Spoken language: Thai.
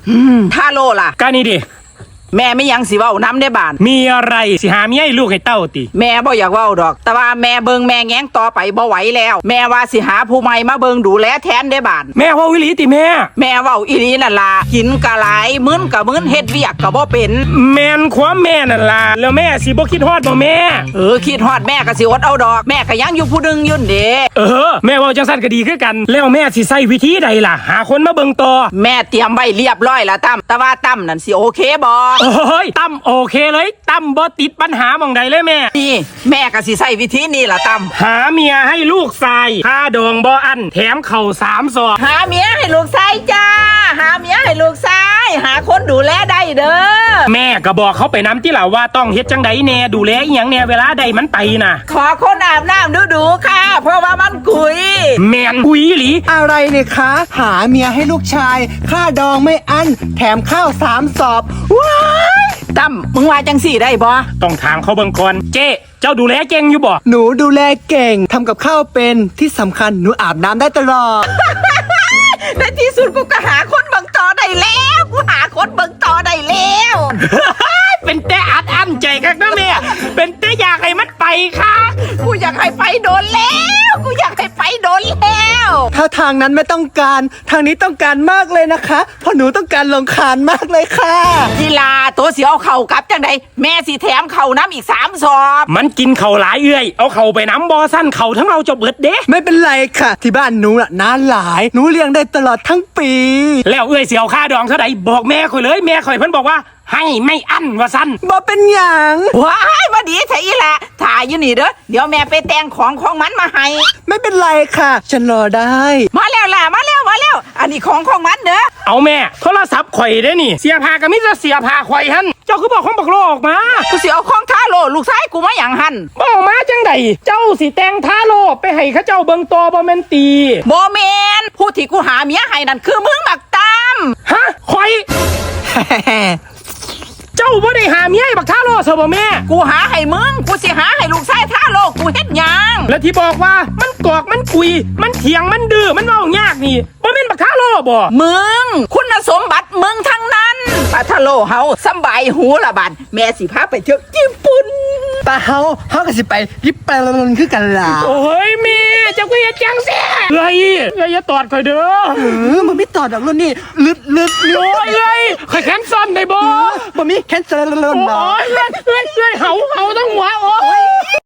ถ้าโลล่ะก็นี่ดิแม่ไม่ยังสิเว้าน้ำได้บานมีอะไรสิหาเมียให้ลูกให้เต้าติแม่บ่อยากเว้าดอกแต่ว่าแม่เบิงแม่แง้งต่อไปบ่ไหวแล้วแม่ว่าสิหาผู้ใหม่มาเบิงดูแลแทนได้บานแม่ว่าวิลีติแม่แม่เว้าอีนี้นั่นล่ะกินกะหลายมื้นกะมื้นเฮ็ดเวียกกะบ่เป็นแม่นความแม่นั่นล่ะแล้วแม่สิบ่คิดฮอดบ่แม่คิดฮอดแม่ก็สิอดเอาดอกแม่ก็ยังอยู่ผู้นึงยุ่นเด้แม่เว้าจังซั่นก็ดีคือกันแล้วแม่สิใช้วิธีใดล่ะหาคนมาเบิ่งต่อแม่เตรียมไว้เรียบร้อยแล้วตั้มแต่ว่าตั้มนั่นสิโอเคบ่ตั้มโอเคเลยตั้มบ่ติดปัญหาหม่องใดเลยแม่นี่แม่ก็สิใช้วิธีนี้ล่ะตั้มหาเมียให้ลูกชายค่าดองบ่อันแถมเข่า3 ซองหาเมียให้ลูกชายจ้าหาเมียให้ลูกชายหาคนดูแลได้เด้อแม่ก็บอกเขาไปน้ำที่ล่ะว่าต้องเฮ็ดจังใดแน่ดูแลอีหยังแน่เวลาใดมันไปน่ะขอคนอาบน้ำดูค่ะเพราะว่ามันกุยแม่นกุยหลีอะไรเนี่ยคะหาเมียให้ลูกชายค่าดองไม่อั้นแถมข้าว3 สอบว้ายตั้มมึงว่าจังสี่ได้บ่ต้องถามเขาเบิ่งก่อนเจ๊เจ้าดูแลเก่งอยู่บ่หนูดูแลเก่งทำกับข้าวเป็นที่สำคัญหนูอาบน้ำได้ตลอดในที่สุดกูก็หาคนเบิ่งต่อได้แล้วกูหาคนเบิ่งต่อได้แล้วเป็นแต่อัดใจคักนะแม่เป็นแต่อยากให้มันไปค่ะกูอยากให้ไปโดนแล้วกูอยากให้ไปโดนแล้วถ้าทางนั้นไม่ต้องการทางนี้ต้องการมากเลยนะคะเพราะหนูต้องการลงคานมากเลยค่ะกีฬาตัวเสียเอาเข่ากลับจังใดแม่สิแถมเข่าน้ำอีก3 ซอบมันกินเข่าหลายเอื้อยเอาเข่าไปน้ำบอสั้นเข่าทั้งเราจบเบิดเด้ไม่เป็นไรค่ะที่บ้านหนูน่ะน้าหลายหนูเลี้ยงได้ตลอดทั้งปีแล้วเอื้อยเสียวค่าดองเท่าไหร่บอกแม่ข่อยเลยแม่ข่อยเพิ่นบอกว่าให้ไม่อั้นว่าสั้นบ่เป็นหยังว้ายมาดีไทยละถ่ายอยู่นี่เด้อเดี๋ยวแม่ไปแต่งของมันมาให้ไม่เป็นไรค่ะฉันรอได้มาแล้วล่ะมาแล้วอันนี้ของมันเด้อเอาแม่โทรศัพท์ข่อยได้นี่เสียผ้าก็มิจะเสียผ้าข่อยหั่นเจ้าคือบอกของบักโลออกมากูสิเอาของทาโลลูกชายกูมาหยังหั่นบอกมาจังไดเจ้าสิแต่งทาโลไปให้เขาเจ้าเบิ่งตอบ่แม่นตีบ่แม่นผู้ที่กูหาเมียให้นั่นคือมึงบักตามฮะข่อยเจ้าบ่ได้หาเมียให้บักทาโลซะบ่แม่กูหาให้มึงกูสิหาให้ลูกชายทาโลกูเฮ็ดหยังแล้วที่บอกว่ามันกอกมันกุยมันเถียงมันดื้อมันเว้ายากนี่บ่แม่นบักทาโลบ่มึงคุณสมบัติมึงทั้งนั้นปาทาโลเฮาสบายหูละบัดแม่สิพาไปเที่ยวญี่ปุ่นปาเฮาก็สิไปญี่ปุ่นคือกันล่ะโอ้ยแม่เจ้าก็อย่าจังแซ่อย่าตอดข่อยเด้อมันไม่ตอดดอกรุ่นนี่ลึดโอ้ยข่อยแขนซ้อนได้บ่บ่มีแคนเซิลโอ้ยเฮาต้องหัวโอ้ย